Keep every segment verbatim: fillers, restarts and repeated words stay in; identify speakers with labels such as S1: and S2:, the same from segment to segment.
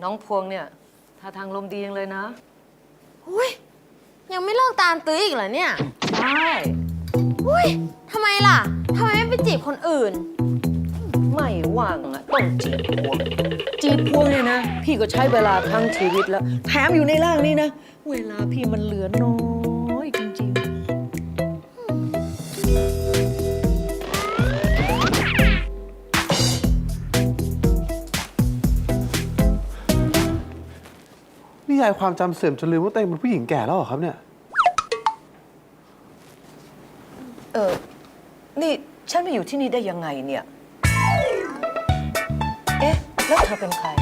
S1: น้องพวงเนี่ยท่าทางลมดียังเลยนะ
S2: อุ้ยยังไม่เลิกตามตื้ออีกเหรอเนี่ย
S1: ใช่
S2: อุ้ยทำไมล่ะทำไมไม่ไปจีบคนอื่น
S1: ไม่ว่างอะต้องจีบพวงจีบพวงเนี่ยนะพี่ก็ใช้เวลาทั้งชีวิตแล้วแถมอยู่ในร่างนี้นะเวลาพี่มันเหลือน้อยจริงๆ
S3: นี่ยายความจำเสื่อมจนลืมว่าตัวเองเป็นผู้หญิงแก่แล้วเหรอครับเนี่ย
S1: เออนี่ฉันมาอยู่ที่นี่ได้ยังไงเนี่ยเอ๊ะแล้วเธอเป็นใคร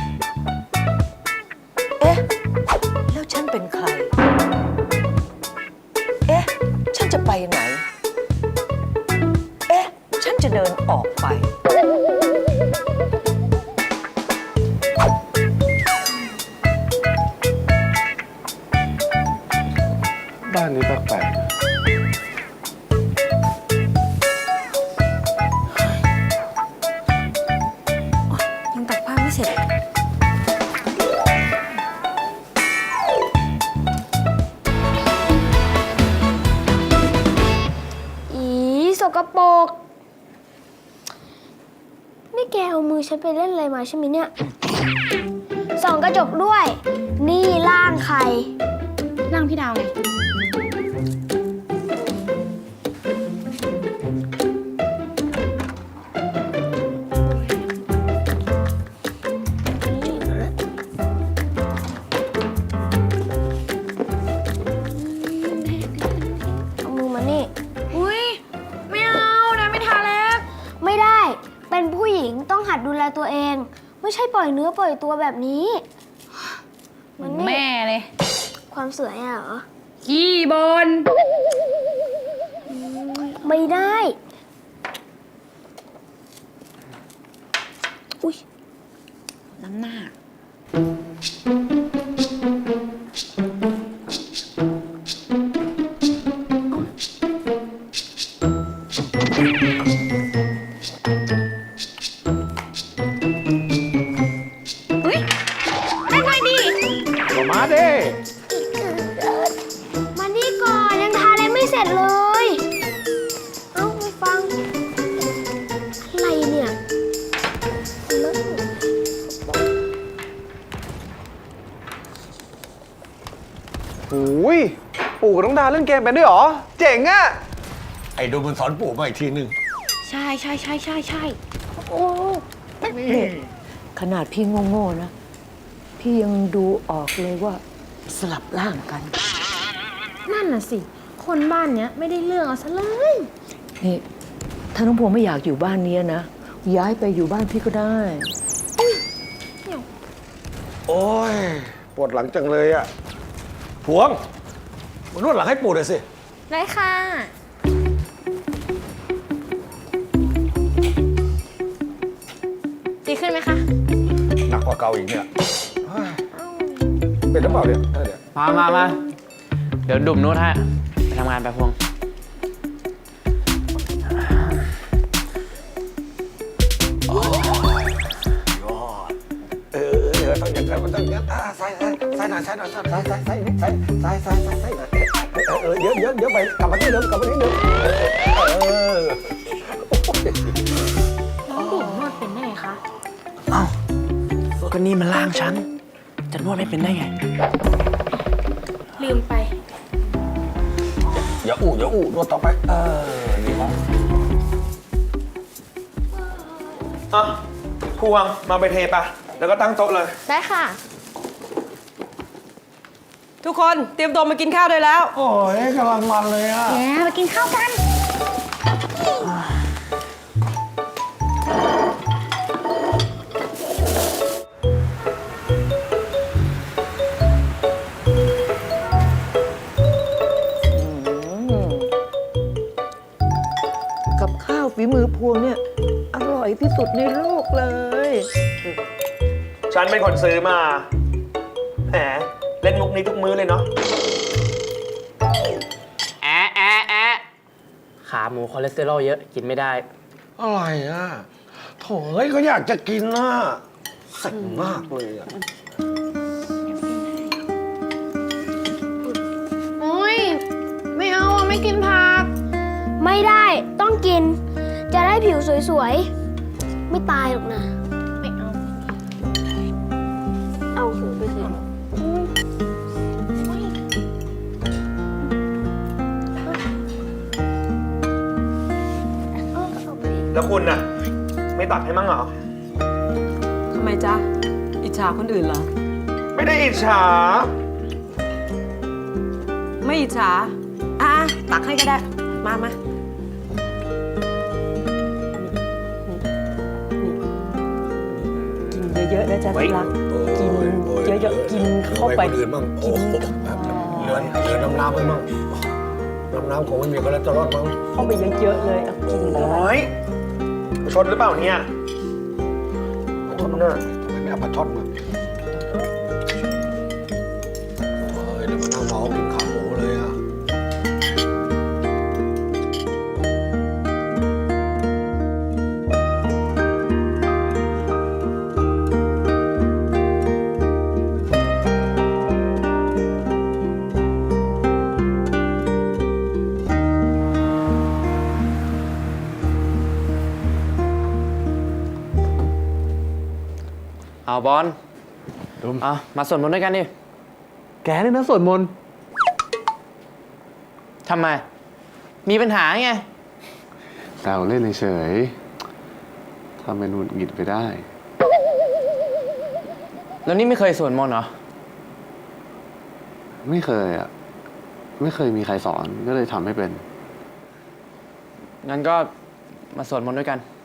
S1: เอ๊ะแล้วฉันเป็นใครเอ๊ะฉันจะไปไหนเอ๊ะฉันจะเดินออกไป
S3: บ้านนี้แปลกๆ
S2: ยังตักผ้าไม่เสร็จอีสกปรกนี่แกเอามือฉันไปเล่นอะไรมาใช่ไหมเนี่ยส่องกระจกด้วย นี่ร่างใครร่างพี่ดาวไงต้องหัดดูแลตัวเองไม่ใช่ปล่อยเนื้อปล่อยตัวแบบนี้
S4: เหมือนแม่เลย
S2: ความสวยอะเหรอ
S4: ขี้บน
S2: ไม่ได้อุ๊ย
S4: น้ำหน้า
S3: มาดิ
S2: มานี่ก่อนยังทาอะไรไม่เสร็จเลยเอ้าไม่ฟังอะไรเนี่ย
S3: โอ้ยปู่กับน้องดาเล่นเกมเป็นด้วยเหรอเจ๋งอะ
S5: ไอ้ดูมันสอนปู่มาอีกทีหนึ่ง
S4: ใช่ใช่ใช่ใช่ใช่
S1: โอ้นี่ขนาดพี่โง่ๆนะพี่ยังดูออกเลยว่าสลับร่างกัน
S2: นั่นน่ะสิคนบ้านเนี้ยไม่ได้เรื่องเอาซะเลย
S1: นี่ถ้าน้องพวงไม่อยากอยู่บ้านนี้นะย้ายไปอยู่บ้านพี่ก็ได้
S5: โอ้ยปวดหลังจังเลยอะพวงมานวดหลังให้ปู่หน่อยสิ
S2: ได้ค่ะดีขึ้นไหมคะ
S5: หนักกว่าเก่าอีกเนี่ยเป็นหรือเปล่าเนี่ยเดี๋ยว
S6: มามามาเดี๋ยวดุ่มนู้นให้ไปทำงานไปพวง
S5: โอ้ยยอดเออเออต้องอย่างนั้นมันต้องอย่างนั้นใส่ใส่ใส่หน่อยใส่หน่อยใส่ใส่ใส่ใส่ใส่ใส่ใส่ใส่ใส่หน่อยเออเออเยอะเยอะเยอะไปกลับมาที่เดิมกลับมาที่เดิมเออ
S2: น้องดุ่มนวดเป็นได้ไงคะ
S6: อ้าวก็นี่มันร่างฉันจะนวดไม่เป็นได้ไง
S2: ลืมไป
S5: อย่าอู้อย่าอู้นวดต่อไปเออดีมาก
S6: อ่ะพวงมาไปเทปะแล้วก็ตั้งโต๊ะเลย
S2: ได้ค่ะ
S1: ทุกคนเตรียมตัวมากินข้าวได้แล้ว
S5: โอ้ยกำลังมันเลยอ่ะ
S2: แย่มากินข้าวกัน
S1: กับข้าวฝีมือพวงเนี่ยอร่อยที่สุดในโลกเลย
S6: ฉันเป็นคนซื้อมาแหมเล่นมุกนี้ทุกมื้อเลยเนาะแอะแอะแอะขาหมูคอเลสเตอรอลเยอะกินไม่ได้
S5: อะไรอ่ะโถ่เฮ้ยก็อยากจะกินน่ะเส็งมากเลยอ่ะ
S4: กินผัก
S2: ไม่ได้ต้องกิน จะได้ผิวสวยๆ ไม่ตายหรอกนะ
S4: ไม่เอา
S2: เอาหูไปสิเอาเอาไป
S6: แล้วคุณน่ะ ไม่ตัดให้มั่งเหรอ
S1: ทำไมจ๊ะ อิจฉาคนอื่นเหรอ
S6: ไม่ได้อิจฉา
S1: ไม่อิจฉา อ่ะตักให้ก็ได้ มามากินเยอะๆนะจ๊ะที่รัก กินเยอะๆ กินเข้าไป
S5: คนอื่นมั่งโอ้โหเหลือเหลือน้ำน้ำไปมั่งน้ำน้ำคงไม่มีคอเลสเตอรอลมั้ง
S1: เข้าไปเยอะๆเลยเอากินเข้าไป
S6: โอ้ยชดหรือเปล่าเนี่ยชดน่ะ
S5: ทำไมไม่เอาปลาช่อนมาโอ้ยแล้วมันนั่งเมากินขาหมูเลยอ่ะ
S7: เอาบอลเอามาสวดมนต์ด้วยกันดิ
S3: แกเนี่ยนะสวดมนต์
S7: ทำไม มีปัญหาไง
S8: แซวเล่นเฉยๆทำเป็นหงุดหงิดไปได้
S7: แล้วนี่ไม่เคยสวดมนต์เหรอ
S8: ไม่เคยอ่ะ ไม่เคยมีใครสอนก็เลยทำให้เป็น
S7: งั้นก็มาสวดมนต์ด้วยกัน